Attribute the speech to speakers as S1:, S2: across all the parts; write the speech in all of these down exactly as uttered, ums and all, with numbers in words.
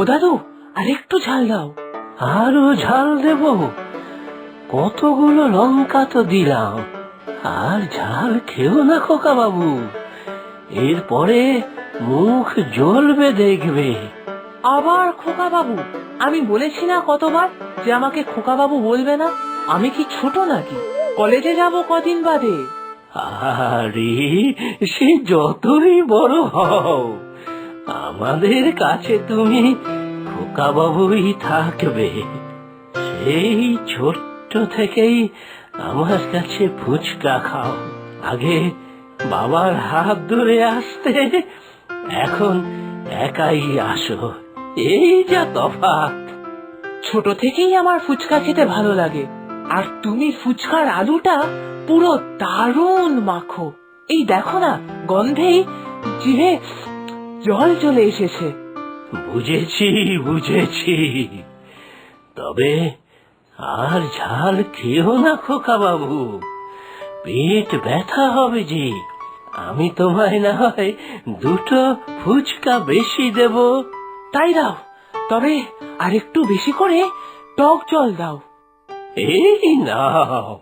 S1: দাদু, আরেকটু ঝাল দাও।
S2: আরো ঝাল দেব? কতগুলো লঙ্কা তো দিলাম, আর ঝাল খেও না খোকা বাবু, এরপরে মুখ জ্বলবে দেখবে।
S1: আবার খোকা বাবু? আমি বলেছি না কতবার যে আমাকে খোকা বাবু বলবে না? আমি কি ছোট নাকি? কলেজে যাব কদিন বাদে।
S2: আরে সে যতই বড় হও, আমাদের কাছে তুমি খোকা বাবুই থাকবে। সেই ছোট্ট থেকেই আমার কাছে ফুচকা খাও। আগে বাবার হাত ধরে আসতে, এখন একাই আসো, এই যা তফাৎ।
S1: ছোট থেকেই আমার ফুচকা খেতে ভালো লাগে, আর তুমি ফুচকার আলুটা পুরো দারুণ মাখো। এই দেখো না, গন্ধেই জিভে জল চলে এসেছে।
S2: বুঝেছি বুঝেছি, তবে আর ঝাল খেও না খোকা বাবু, পেট ব্যথা হবে যে। আমি তোমায় না হয় দুটো ফুচকা বেশি দেব।
S1: তাই দাও, তবে আরেকটু বেশি করে টক জল দাও।
S2: এই নাও।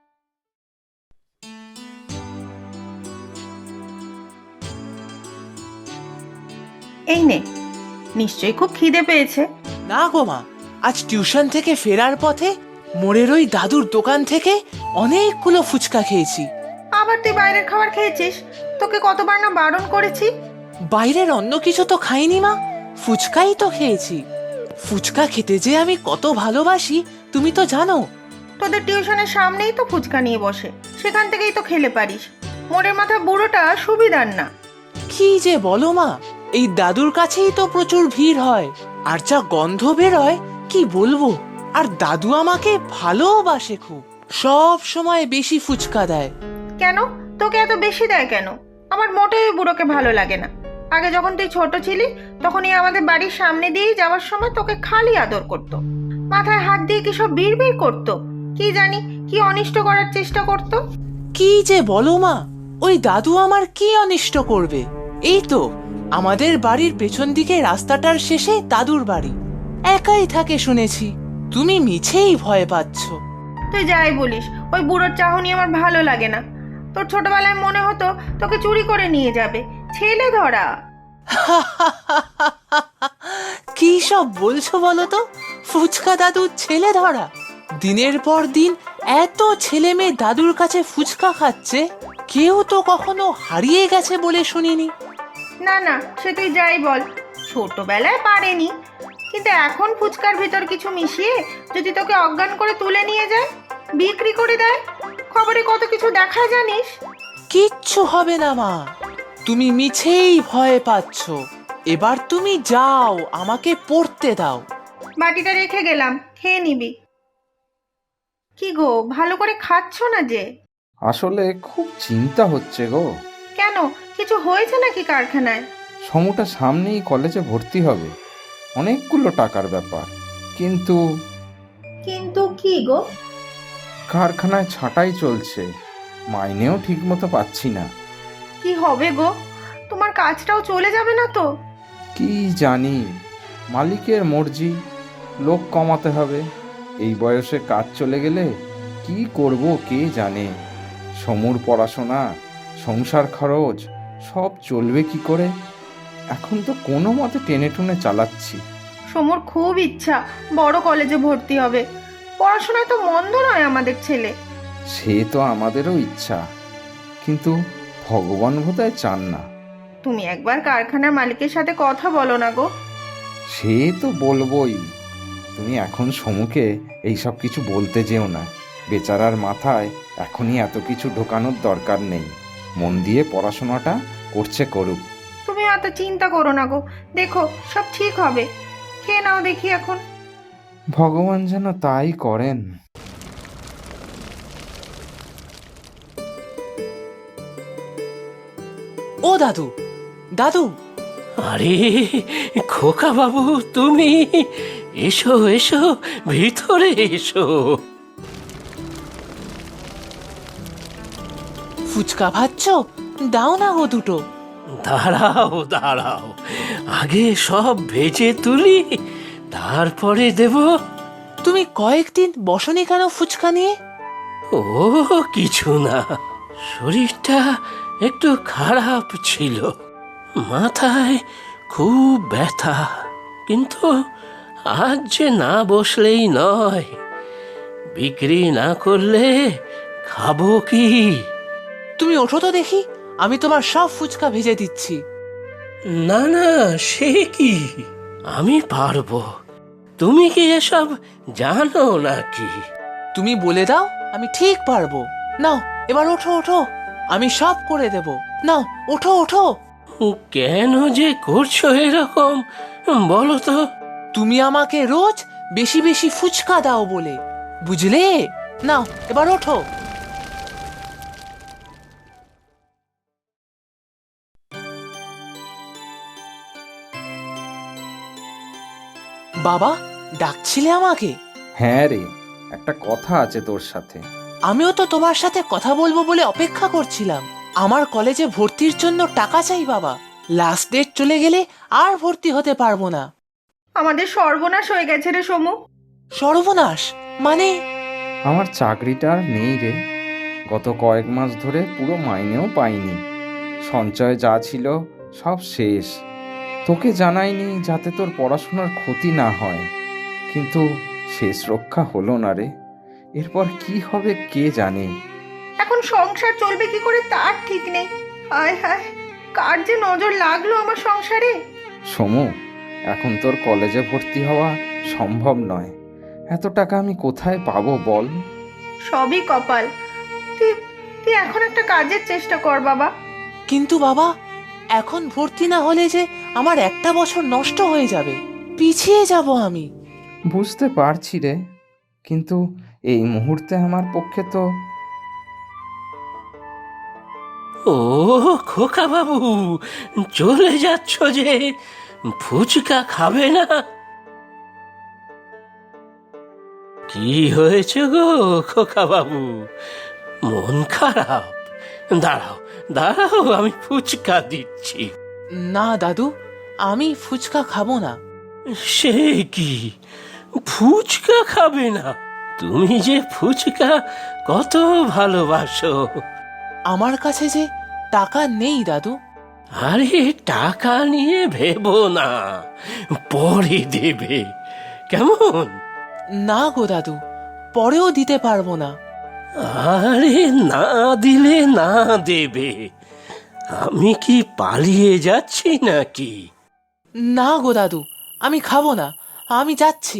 S3: এই নে, নিশ্চয়ই খুব খিদে পেয়েছে।
S4: না গো মা, আজ টিউশন থেকে ফেরার পথে মোড়ের ওই দাদুর দোকান থেকে অনেকগুলো ফুচকা খেয়েছি।
S3: আবার তুই বাইরের খাবার খেয়েছিস? তোকে কতবার না বারণ করেছি।
S4: বাইরের অন্য কিছু তো খাইনি মা, ফুচকাই তো খেয়েছি। ফুচকা খেতে যে আমি কত ভালোবাসি তুমি তো জানো।
S3: তোদের টিউশনের সামনেই তো ফুচকা নিয়ে বসে, সেখান থেকেই তো খেলে পারিস। মোড়ের মাথা বুড়োটা সুবিধার না।
S4: কি যে বলো মা, এই দাদুর কাছেই তো প্রচুর ভিড় হয়, আর যা গন্ধ বেরোয় কি বলবো। আর দাদু আমাকে ভালোবাসে খুব, সব সময় বেশি ফুচকা দেয়।
S3: কেন তোকে এত বেশি দেয় কেন? আমার মোটেই বুড়োকে ভালো লাগে না। আগে যখন তুই ছোট ছিলি, তখনই আমাদের বাড়ির সামনে দিয়ে যাওয়ার সময় তোকে খালি আদর করত, মাথায় হাত দিয়ে কি সব বিড় বিড় করতো, কি জানি কি অনিষ্ট করার চেষ্টা করত।
S4: কি যে বলো মা, ওই দাদু আমার কি অনিষ্ট করবে? এই তো আমাদের বাড়ির পেছন দিকে রাস্তাটার শেষে দাদুর বাড়ি, একাই থাকে শুনেছি। তুমি মিছেই ভয় পাচ্ছ।
S3: তুই যাই বলিস, ওই বুড়োর চাহনি আমার ভালো লাগে না। তোর ছোটবেলায় মনে হতো তোকে চুরি করে নিয়ে যাবে, ছেলে ধরা।
S4: কি সব বলছো বলো তো? ফুচকা দাদু ছেলে ধরা? দিনের পর দিন এত ছেলে মেয়ে দাদুর কাছে ফুচকা খাচ্ছে, কেউ তো কখনো হারিয়ে গেছে বলে শুনিনি।
S3: না না, সে তুই যাই বল, ছোটবেলায় পারেনি, কিন্তু এখন ফুচকার ভিতর কিছু মিশিয়ে যদি তোকে অজ্ঞান করে তুলে নিয়ে যায়, বিক্রি করে দেয়, খবরে কত কিছু দেখায় জানিস।
S4: কিচ্ছু হবে না মা, তুমি মিছেই ভয় পাচ্ছ। এবার তুমি যাও, আমাকে পড়তে দাও।
S3: বাটিটা রেখে গেলাম, খেয়ে নিবি। কি গো, ভালো করে খাচ্ছ না যে?
S5: আসলে খুব চিন্তা হচ্ছে গো।
S3: কেন, কিছু হয়েছে নাকি কারখানায়?
S5: সমুটা সামনেই কলেজে ভর্তি হবে, অনেকগুলো টাকার ব্যাপার। কিন্তু
S3: কিন্তু কি গো?
S5: কারখানায় ছাঁটাই চলছে, মাইনেও ঠিক মতো পাচ্ছি না।
S3: কি হবে গো, তোমার কাজটাও চলে যাবে না তো?
S5: কি জানি, মালিকের মর্জি, লোক কমাতে হবে। এই বয়সে কাজ চলে গেলে কি করব কে জানে। সমুর পড়াশোনা, সংসার খরচ সব চলবে কি করে। এখন তো কোনো মতে টেনে টুনে চালাচ্ছি।
S3: সমুর খুব ইচ্ছা বড় কলেজে ভর্তি হবে, পড়াশোনায় তো মন্দ নয় আমাদের ছেলে।
S5: সে তো আমাদেরও ইচ্ছা, কিন্তু ভগবান বোধহয় চান না।
S3: তুমি একবার কারখানার মালিকের সাথে কথা বলো না গো।
S5: সে তো বলবোই, তুমি এখন সমুকে এইসব কিছু বলতে যেও না। বেচারার মাথায় এখনই এত কিছু ঢোকানোর দরকার নেই। মন দিয়ে পড়াশোনাটা করছে করুক।
S3: তুমি এত চিন্তা করো না গো, দেখো সব ঠিক হবে। খেয়ে নাও দেখি এখন।
S5: ভগবান যেন তাই করেন।
S4: ও দাদু, দাদু।
S2: আরে খোকা বাবু, তুমি এসো এসো, ভিতরে এসো।
S4: ফুচকা ভাজছ? দাও না গো দুটো।
S2: দাঁড়াও দাঁড়াও, আগে সব ভেজে তুলি, তারপরে দেব।
S4: তুমি কয়েকদিন বসনি কেন ফুচকা নিয়ে?
S2: ও কিছু না, শরীরটা একটু খারাপ ছিল, মাথায় খুব ব্যথা। কিন্তু আজ যে না বসলেই নয়, বিক্রি না করলে খাবো কি?
S4: তুমি ওঠো তো দেখি, আমি তোমার সব ফুচকা ভেজে দিচ্ছি।
S2: না না, সে কি, আমি পারবো। তুমি কি এসব জানো নাকি?
S4: তুমি বলে দাও, আমি ঠিক পারবো। নাও এবার ওঠো ওঠো, আমি সব করে দেব। নাও ওঠো ওঠো।
S2: কেন যে করছো এরকম বলো তো?
S4: তুমি আমাকে রোজ বেশি বেশি ফুচকা দাও বলে, বুঝলে? নাও এবার ওঠো। বাবা, ডাকছিলে আমাকে?
S5: হ্যাঁ রে, একটা কথা আছে তোর সাথে।
S4: আমিও তো তোমার সাথে কথা বলবো বলে অপেক্ষা করছিলাম। আমার কলেজে ভর্তির জন্য টাকা চাই বাবা। লাস্ট ডেট চলে গেলে আর ভর্তি হতে পারবো না।
S3: আমাদের সর্বনাশ হয়ে গেছে রে সমু।
S4: সর্বনাশ মানে?
S5: আমার চাকরিটা আর নেই রে। গত কয়েক মাস ধরে পুরো মাইনেও পাইনি। সঞ্চয় যা ছিল সব শেষ। তোকে জানাইনি যাতে তোর পড়াশোনার ক্ষতি না হয়, কিন্তু শেষ রক্ষা হলো না রে। এরপর কি হবে কে জানে।
S3: এখন সংসার চলবে কি করে তার ঠিক নেই। হায় হায়, কার যে নজর লাগলো আমার সংসারে।
S5: সমু, এখন তোর কলেজে ভর্তি হওয়া সম্ভব নয়। এত টাকা আমি কোথায় পাবো বল?
S3: সবই কপাল। তুই তুই এখন একটা কাজের চেষ্টা কর বাবা।
S4: কিন্তু বাবা, এখন ভর্তি না হলে যে আমার একটা বছর নষ্ট হয়ে যাবে, পিছিয়ে যাব আমি।
S5: বুঝতে পারছি রে, কিন্তু এই মুহূর্তে আমার পক্ষে তো।
S2: ও খোকা বাবু, চলে যাচ্ছ যে? ফুচকা খাবে না? কি হয়েছে গো খোকা বাবু, মন খারাপ? দাঁড়াও দাঁড়াও, আমি ফুচকা দিচ্ছি।
S4: না দাদু, আমি ফুচকা খাবো না।
S2: সে কি, ফুচকা খাবে না? তুমি যে ফুচকা কত ভালোবাসো।
S4: আমার কাছে যে টাকা নেই দাদু।
S2: আরে টাকা নিয়ে ভেবো না, পরে দেবে, কেমন?
S4: না গো দাদু, পরেও দিতে পারবো না।
S2: আরে না দিলে না দেবে, আমি কি পালিয়ে যাচ্ছি নাকি?
S4: না গো দাদু, আমি খাবো না, আমি যাচ্ছি।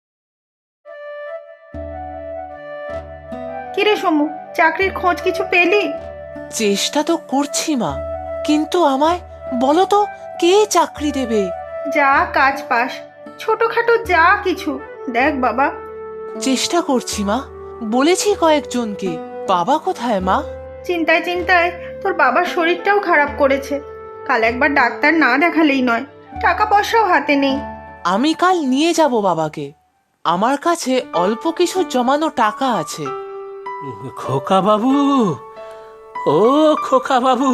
S3: কিরে সমু, চাকরির খোঁজ কিছু পেলি?
S4: চেষ্টা তো করছি মা, কিন্তু আমায় বলো তো কে চাকরি দেবে?
S3: যা কাজ পাস, ছোটখাটো যা কিছু দেখ বাবা।
S4: চেষ্টা করছি মা, বলেছি কয়েকজনকে। বাবা কোথায় মা?
S3: চিন্তায় চিন্তায় তোর বাবার শরীরটাও খারাপ করেছে। কাল একবার ডাক্তার না দেখালেই নয়, টাকা পয়সাও হাতে নেই।
S4: আমি কাল নিয়ে যাব বাবাকে। আমার কাছে অল্প কিছু জমানো টাকা আছে।
S2: খোকা বাবু, ও খোকা বাবু।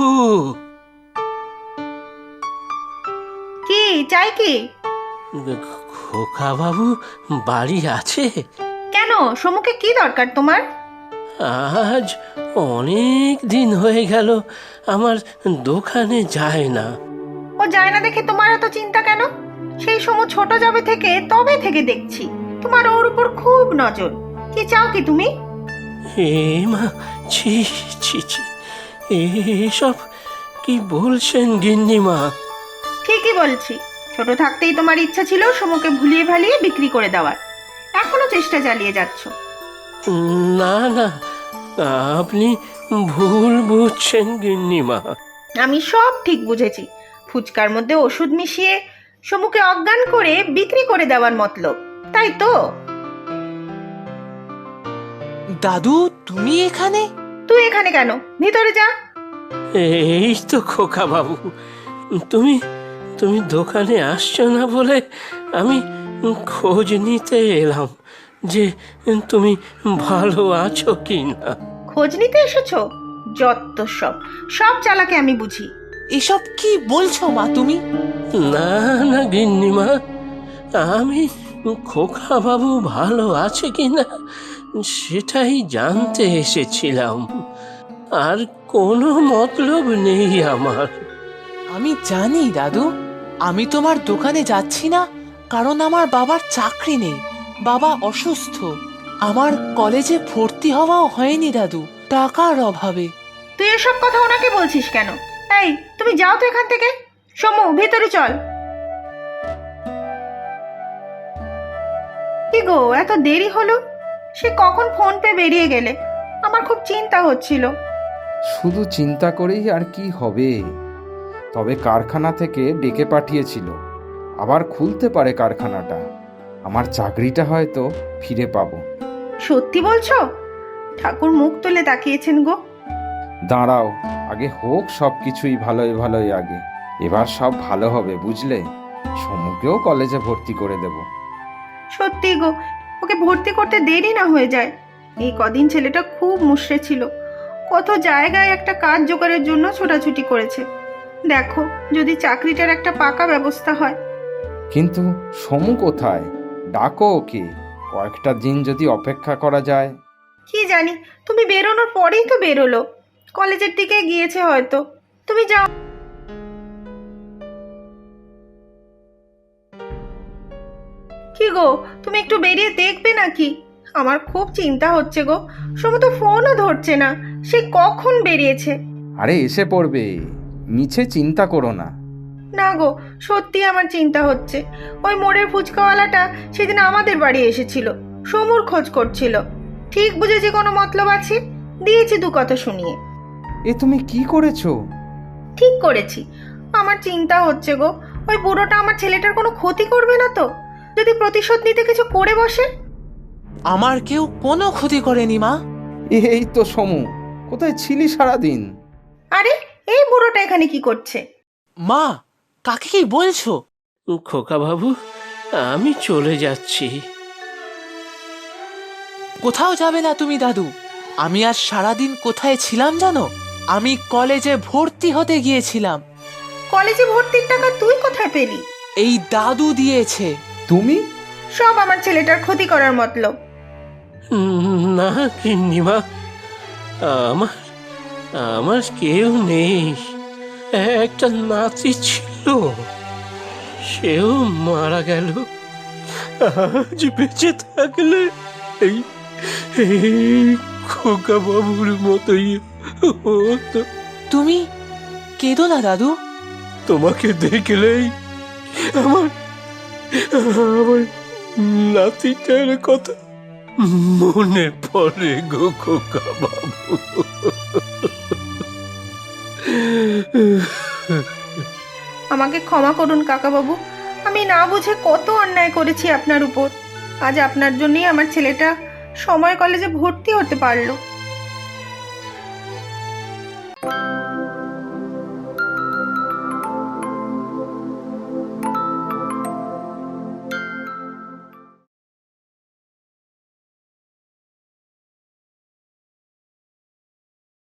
S3: কি চাই কি?
S2: খোকা বাবু বাড়ি আছে?
S3: কেন, সমুকে কি দরকার তোমার?
S2: আজ অনেক দিন হয়ে গেল আমার দোকানে যায় না।
S3: ও যায় না দেখে তোমার এত চিন্তা কেন? সেই সমু ছোট যাবে থেকে তবে থেকে দেখছি তোমার ওর উপর খুব নজর। কি চাও কি তুমি?
S2: হে মা, ছি ছি ছি, এসব কি বলছেন গিন্নিমা?
S3: ঠিকই বলছি, ছোট থাকতেই তোমার ইচ্ছা ছিল সমুকে ভুলিয়ে ভালিয়ে বিক্রি করে দেওয়ার। এখনো চেষ্টা চালিয়ে যাচ্ছ।
S2: না না, আপনি ভুল বুঝছেন গিন্নিমা।
S3: আমি সব ঠিক বুঝেছি। ফুচকার মধ্যে ওষুধ মিশিয়ে সমুকে অজ্ঞান করে বিক্রি করে দেওয়ার মতলব, তাই তো?
S4: দাদু, তুমি এখানে?
S3: তুই এখানে কেন? ভিতরে যা।
S2: এই তো খোকা বাবু, তুমি তুমি দোকানে আসছো না বলে আমি খোঁজ নিতে এলাম যে তুমি ভালো আছো কি না।
S3: খোঁজ নিতে এসেছো? যত সব সব চালাকে আমি বুঝি।
S4: এসব কি বলছো মা তুমি?
S2: না না গিন্নিমা, আমি খোকা বাবু ভালো আছে কিনা সেটাই জানতে এসেছিলাম, আর কোনো মতলব নেই আমার।
S4: আমি জানি দাদু, আমি তোমার দোকানে যাচ্ছি না কারণ আমার বাবার চাকরি নেই, বাবা অসুস্থ। আমার কলেজে ভর্তি হওয়াও হয়নি দাদু, টাকার অভাবে।
S3: তুই এসব কথা ওনাকে বলছিস কেন? এই, তুমি যাও তো এখান থেকে। সমু, ভেতরে চল। কি গো, এত দেরি হলো? সে কখন ফোন পে বেরিয়ে গেলে? আমার খুব চিন্তা হচ্ছিল।
S5: শুধু চিন্তা করেই আর কি হবে? তবে কারখানা থেকে ডেকে পাঠিয়েছিল, আবার খুলতে পারে কারখানাটা। আমার চাকরিটা হয়তো ফিরে পাবো।
S3: সত্যি বলছো? ঠাকুর মুখ তুলে তাকিয়েছেন গো।
S5: দাঁড়াও, আগে হোক সব কিছুই ভালোই ভালোই আগে। এবার সব ভালো হবে বুঝলে। সমুকেও কলেজে ভর্তি করে দেব।
S3: সত্যি গো, ওকে ভর্তি করতে দেরি না হয়ে যায়। এই কদিন ছেলেটা খুব মুষড়ে ছিল, কত জায়গায় একটা কাজ জোগাড়ের জন্য ছোটাছুটি করেছে। দেখো, যদি চাকরিটার একটা পাকা ব্যবস্থা হয়।
S5: কিন্তু সমু কোথায়? ডাকো ওকে, কয়েকটা দিন যদি অপেক্ষা করা যায়।
S3: কি জানি, তুমি বেরোনোর পরেই তো বেরোলো, কলেজের দিকে গিয়েছে হয়তো। তুমি যাও। কি গো, তুমি একটু বেরিয়ে দেখবে নাকি? আমার খুব চিন্তা হচ্ছে গো। সমু তো ফোনও ধরছে না, সে কখন বেরিয়েছে।
S5: আরে এসে পড়বে, মিছে চিন্তা করো না।
S3: না গো, সত্যি আমার চিন্তা হচ্ছে। ওই মোড়ের ফুচকাওয়ালাটা সেদিন আমাদের বাড়ি এসেছিল, সমুর খোঁজ করছিল। ঠিক বুঝেছি কোনো মতলব আছে, দিয়েছি দু কথা শুনিয়ে।
S5: এ তুমি কি করেছো?
S3: ঠিক করেছি। আমার চিন্তা হচ্ছে গো, ওই বুড়োটা আমার ছেলেটার কোনো ক্ষতি করবে না তো? যদি প্রতিশোধ নিতে কিছু করে বসে।
S4: আমার কেউ কোনো ক্ষতি করেনি মা।
S5: এই তো সমু, কোথায় ছিলি সারাদিন?
S3: আরে, এই বুড়োটা এখানে কি করছে?
S4: মা, কাকে কি বলছো?
S2: খোকা বাবু, আমি চলে যাচ্ছি।
S4: কোথাও যাবে না তুমি দাদু। আমি আজ সারাদিন কোথায় ছিলাম জানো? আমি কলেজে ভর্তি হতে গিয়েছিলাম।
S3: কলেজে ভর্তির টাকা তুই কোথায় পেলি?
S4: এই দাদু দিয়েছে।
S5: তুমি?
S3: সব আমার ছেলেটার ক্ষতি করার মতলব।
S2: না গিন্নিমা, আমার আমার কেউ নেই। একটা নাতি ছিল, সেও মারা গেল। আজ বেঁচে থাকলে এই এই খোকা বাবুর মতোই হতো।
S4: তুমি কেঁদো না দাদু।
S2: তোমাকে দেখলেই আমার আমার নাতিটার কথা মনে পড়ে গো খোকা বাবু।
S3: আমাকে ক্ষমা করুন কাকাবাবু, আমি না বুঝে কত অন্যায় করেছি আপনার উপর। আজ আপনার জন্যই আমার ছেলেটা সময় কলেজে ভর্তি হতে পারলো।